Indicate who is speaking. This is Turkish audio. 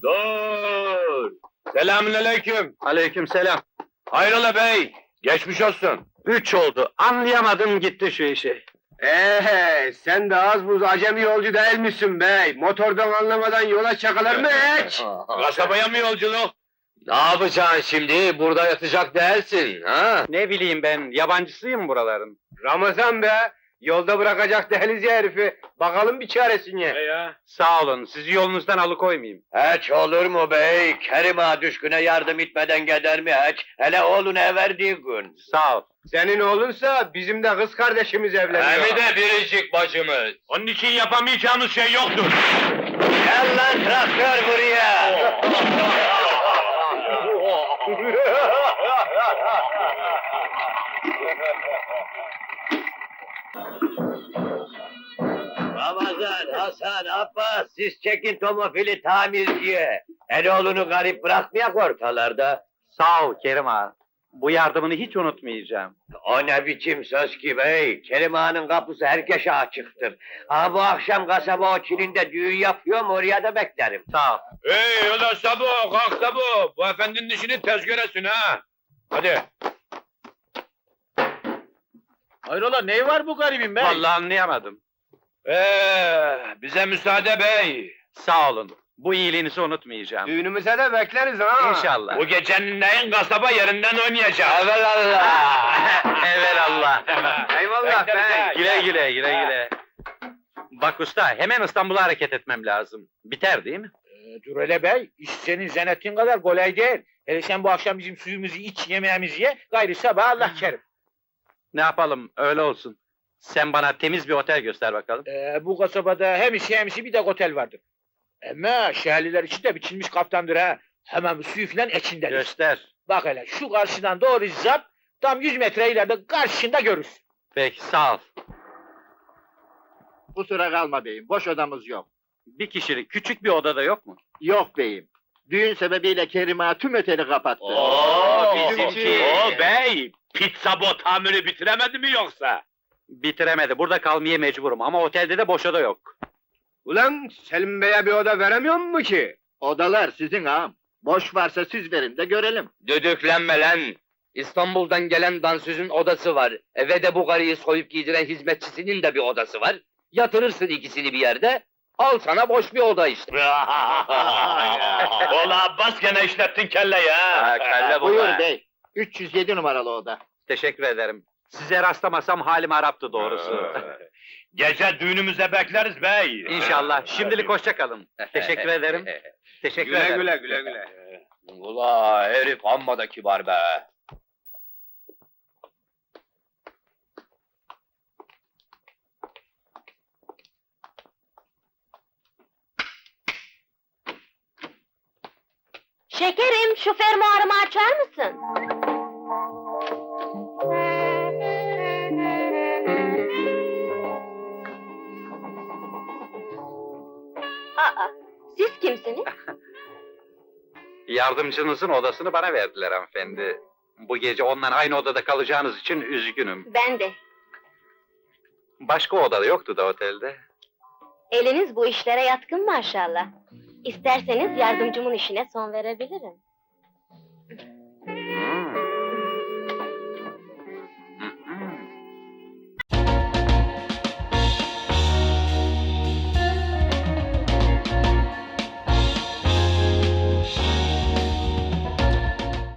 Speaker 1: Dur! Selamünaleyküm.
Speaker 2: Aleykümselam.
Speaker 1: Hayrola bey? Geçmiş olsun.
Speaker 2: 3 oldu. Anlayamadım gitti şu işi.
Speaker 3: Sen de az buz acemi yolcu değil misin bey? Motordan anlamadan yola çakılır mı hiç?
Speaker 1: Kasabaya mı yolculuk?
Speaker 4: Ne yapacaksın şimdi? Burada yatacak değilsin, ha?
Speaker 2: Ne bileyim ben, yabancısıyım buraların.
Speaker 3: Ramazan be! Yolda bırakacak değiliz ya herifi. Bakalım bir çaresine.
Speaker 1: Ya.
Speaker 2: Sağ olun, sizi yolunuzdan alıkoymayayım.
Speaker 4: Hiç olur mu bey? Kerim ağa düşküne yardım etmeden gider mi hiç? Hele oğluna verdiği gün.
Speaker 2: Sağ ol.
Speaker 3: Senin oğlunsa bizim de kız kardeşimiz evleniyor.
Speaker 4: Hem de biricik bacımız.
Speaker 1: Onun için yapamayacağımız şey yoktur.
Speaker 4: Gel lan traktör buraya! Ramazan, Hasan, Abbas, siz çekin tomofili tamirciye. Eloğlunu garip bırakmayak ortalarda.
Speaker 2: Sağ ol Kerim ağa. Bu yardımını hiç unutmayacağım.
Speaker 4: O ne biçim söz ki bey? Kerim Ağa'nın kapısı herkese açıktır. Ha bu akşam kasaba o Çin'inde düğün yapıyorum, oraya da beklerim.
Speaker 2: Sağ ol.
Speaker 1: Hey ulan Sabo, kalk Sabo. Bu efendinin işini tez göresin ha. Hadi.
Speaker 3: Hayrola ne var bu garibin bey?
Speaker 2: Vallahi anlayamadım.
Speaker 1: Bize müsaade bey.
Speaker 2: Sağ olun. Bu iyiliğinizi unutmayacağım.
Speaker 3: Düğünümüze de bekleriz ha.
Speaker 2: İnşallah.
Speaker 1: Bu gecenin neyin kasaba yerinden oynayacak.
Speaker 4: Evelallah!
Speaker 2: Evelallah.
Speaker 3: Eyvallah bey.
Speaker 2: Güle güle, güle güle. Bak usta, hemen İstanbul'a hareket etmem lazım. Biter değil mi?
Speaker 5: Dur hele bey, iş senin zannettiğin kadar kolay değil. Hele sen bu akşam bizim suyumuzu iç, yemeğimizi ye, gayrı sabah Allah kerim.
Speaker 2: Ne yapalım, öyle olsun. Sen bana temiz bir otel göster bakalım.
Speaker 5: Bu kasabada hem işi hem işi bir de otel vardır. Ama şehirliler için de biçilmiş kaftandır ha. Hemen suyu filan içindedir.
Speaker 2: Göster.
Speaker 5: Bak hele, şu karşıdan doğru zap, tam 100 metre ileride karşında görürsün.
Speaker 2: Peki, sağ ol.
Speaker 6: Kusura kalma beyim, boş odamız yok.
Speaker 2: Bir kişilik küçük bir odada yok mu?
Speaker 6: Yok beyim. Düğün sebebiyle Kerim Ağa tüm oteli kapattı.
Speaker 2: bizimki.
Speaker 1: Oo bey, pizza bo tamiri bitiremedi mi yoksa?
Speaker 2: Bitiremedi, burada kalmaya mecburum ama otelde de boş oda yok.
Speaker 3: Ulan Selim Bey'e bir oda veremiyor mu ki?
Speaker 6: Odalar sizin ağam. Boş varsa siz verin de görelim.
Speaker 4: Düdüklenme lan! İstanbul'dan gelen dansözün odası var. Eve de bu karıyı soyup giydiren hizmetçisinin de bir odası var. Yatırırsın ikisini bir yerde, al sana boş bir oda işte.
Speaker 1: Ola Abbas gene işlettin kelleyi ha.
Speaker 4: Kelle
Speaker 6: Buyur bey. 307 numaralı oda.
Speaker 2: Teşekkür ederim. Size rastlamasam halim haraptı doğrusu.
Speaker 1: Gece düğünümüze bekleriz bey.
Speaker 2: İnşallah. Şimdilik hoşça kalın. Teşekkür ederim. Teşekkür ederim.
Speaker 3: güle güle.
Speaker 4: Ula herif amma da kibar be.
Speaker 7: Şekerim, şu fermuarımı açar mısın? Aa, siz kimsiniz?
Speaker 2: Yardımcınızın odasını bana verdiler hanımefendi. Bu gece onunla aynı odada kalacağınız için üzgünüm.
Speaker 7: Ben de.
Speaker 2: Başka odada yoktu da otelde.
Speaker 7: Eliniz bu işlere yatkın maşallah. İsterseniz yardımcımın işine son verebilirim.